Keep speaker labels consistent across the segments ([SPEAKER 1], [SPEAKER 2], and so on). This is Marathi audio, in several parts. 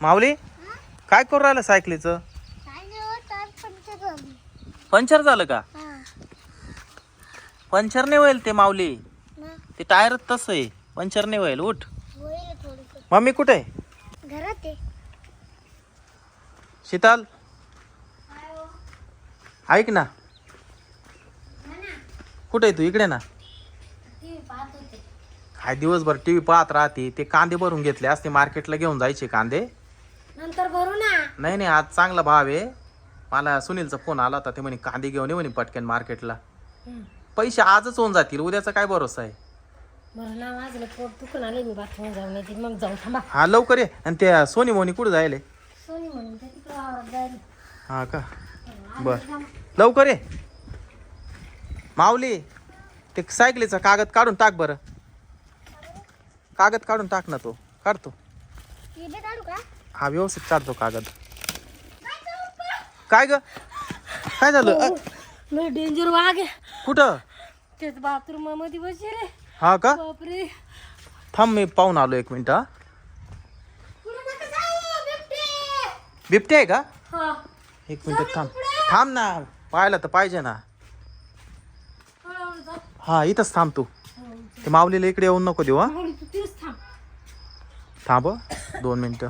[SPEAKER 1] माऊली काय करू राहिलं सायकलीचं? पंचर झालं का? पंचर नाही होईल ते माऊली, ते टायर तसं आहे, पंचर नाही होईल. उठ. मम्मी कुठे आहे?
[SPEAKER 2] घरात आहे.
[SPEAKER 1] शीतल ऐक ना, कुठे आहे तू? इकडे ना. काय दिवसभर टीव्ही पाहत राहते. ते कांदे भरून घेतले असते, मार्केटला घेऊन जायचे कांदे.
[SPEAKER 2] नंतर भरू ना.
[SPEAKER 1] नाही नाही, आज चांगला भाव आहे. मला सुनीलचा फोन आला होता, ते म्हणे कांदे घेऊन ये म्हणे पटकन मार्केटला. पैसे आजच होऊन जातील, उद्याचा काय भरोसा आहे.
[SPEAKER 2] बरं ना, माझं पोट दुखून आले, मी बाथरूम जाऊन येते, मग जाऊ. थांबा.
[SPEAKER 1] हा लवकर ये. आणि त्या सोनी मोनी कुठे जायले?
[SPEAKER 2] सोनी म्हणून ते तिकडे वावरात जाईल.
[SPEAKER 1] हा का, बर लवकर ये. माऊली ते सायकलीचा कागद काढून टाक बरं. कागद काढून टाक ना, तो काढतो.
[SPEAKER 2] काढू का?
[SPEAKER 1] हा व्यवस्थित काढतो कागद. काय ग, काय झालं?
[SPEAKER 2] लय डेंजर वाघ आहे.
[SPEAKER 1] कुठं?
[SPEAKER 2] तेच बाथरूम मध्ये बसले.
[SPEAKER 1] हा का,
[SPEAKER 2] बापरे.
[SPEAKER 1] थांब मी पाहून आलो, एक मिनिट. हा बिबटे आहे का?
[SPEAKER 2] हा.
[SPEAKER 1] एक मिनिट थांब. थांब ना, पाहायला तर पाहिजे ना. हा इथंच थांब तू. ते माऊलीला इकडे येऊन नको देऊ. हा थांब 2 मिनिटं.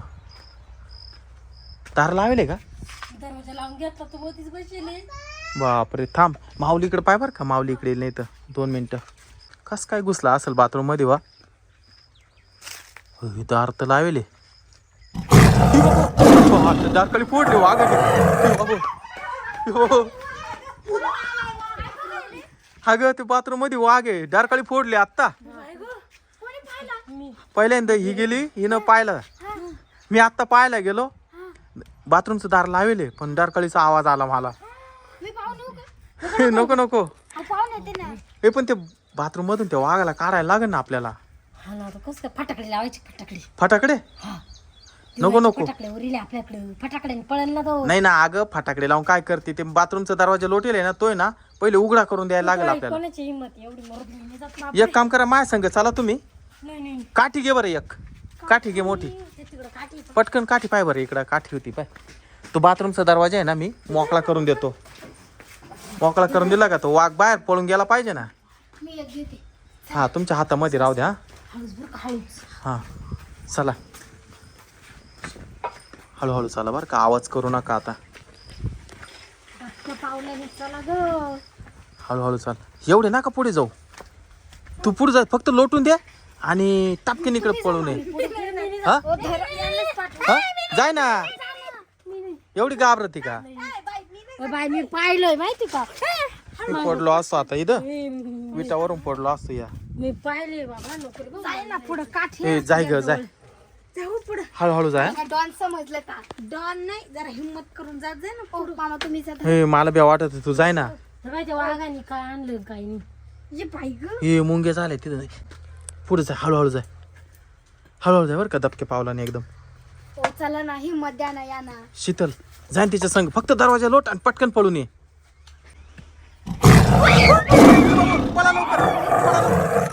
[SPEAKER 1] दार लावले का?
[SPEAKER 2] दरवाजा लावून घेतला, तू मध्येच बसले.
[SPEAKER 1] बापरे, थांब. माऊली इकडे पाय बरं का, माऊली इकडे नाही तर 2 मिनिटं. कस काय घुसला असेल बाथरूम मध्ये? वा दार तर लावले. दार खाली फोडले वाघ. हा ग, ते बाथरूम मध्ये वाघ आहे. दार खाली फोडले आत्ता. पहिल्यांदा ही गेली, हिनं पाहिलं. मी आत्ता पाहायला गेलो, बाथरूमचं दार लावले, पण दारकाळीचा आवाज आला मला. नको नको, हे पण ते बाथरूम मधून त्या वाघाला काढायला लागेल ना आपल्याला.
[SPEAKER 2] हा ना, कसं फटाकडे लावायचे.
[SPEAKER 1] फटाकडे नको नको.
[SPEAKER 2] फटाकडे उरले आपल्याकडे, फटाकडे पळेल ना तो.
[SPEAKER 1] नाही ना अगं, फटाकडे लावून काय करते? ते बाथरूमचा दरवाजा लोटेल आहे ना, तोय ना पहिले उघडा करून द्यायला लागेल आपल्याला.
[SPEAKER 2] कोणाची हिंमत एवढी मरद मी जात ना.
[SPEAKER 1] एक काम करा, माझ्या संग चला तुम्ही.
[SPEAKER 2] नाही
[SPEAKER 1] काठी घे बरं, एक काठी घे मोठी.
[SPEAKER 2] काठी.
[SPEAKER 1] पटकन काठी पाय बरं, इकडं काठी होती पाय. तो बाथरूमचा दरवाजा आहे ना, मी मोकळा करून देतो. मोकळा करून दिला का तो वाघ बाहेर पळून गेला पाहिजे ना.
[SPEAKER 2] मी एक घेते.
[SPEAKER 1] हा तुमच्या हातामध्ये राहू द्या.
[SPEAKER 2] हळूच बरं का, हळूच.
[SPEAKER 1] हा चला, हळूहळू चला बरं का, आवाज करू नका आता.
[SPEAKER 2] पावलाने चला ग.
[SPEAKER 1] हळूहळू चाल, एवढे नका पुढे जाऊ. तू पुढे जा, फक्त लोटून दे आणि टापकीन इकडे पळू नये. हा हा जाय ना, एवढी घाबरती का?
[SPEAKER 2] बाय मी पाहिलंय माहिती का,
[SPEAKER 1] मी पडलो असतो आता इथं, विटावरून पडलो असतो. या
[SPEAKER 2] मी पाहिले बाबा. नको जाय ना पुढे, काठी.
[SPEAKER 1] ए जाय ग जाय,
[SPEAKER 2] जाऊ पुढे.
[SPEAKER 1] हळूहळू जाय.
[SPEAKER 2] डॉन समजलं का? डॉन नाही, जरा हिम्मत करून जात जाय ना पुढे. मामा तुम्ही
[SPEAKER 1] हे मला बी वाटत तू जाय ना.
[SPEAKER 2] त्या वाघाने काय आणलं काय नाही. ये बाई ग,
[SPEAKER 1] हे मुंगे झाले तिथं. पुढे जाय, हळूहळू जाय, हळूहळू जाय बरं का, दबके पावलाने एकदम.
[SPEAKER 2] ओ चला ना, हिम्मत द्या ना, या ना.
[SPEAKER 1] शीतल जाईन तिच्या संग, फक्त दरवाजा लोट आणि पटकन पळून ये. पळा लवकर, पळा लवकर.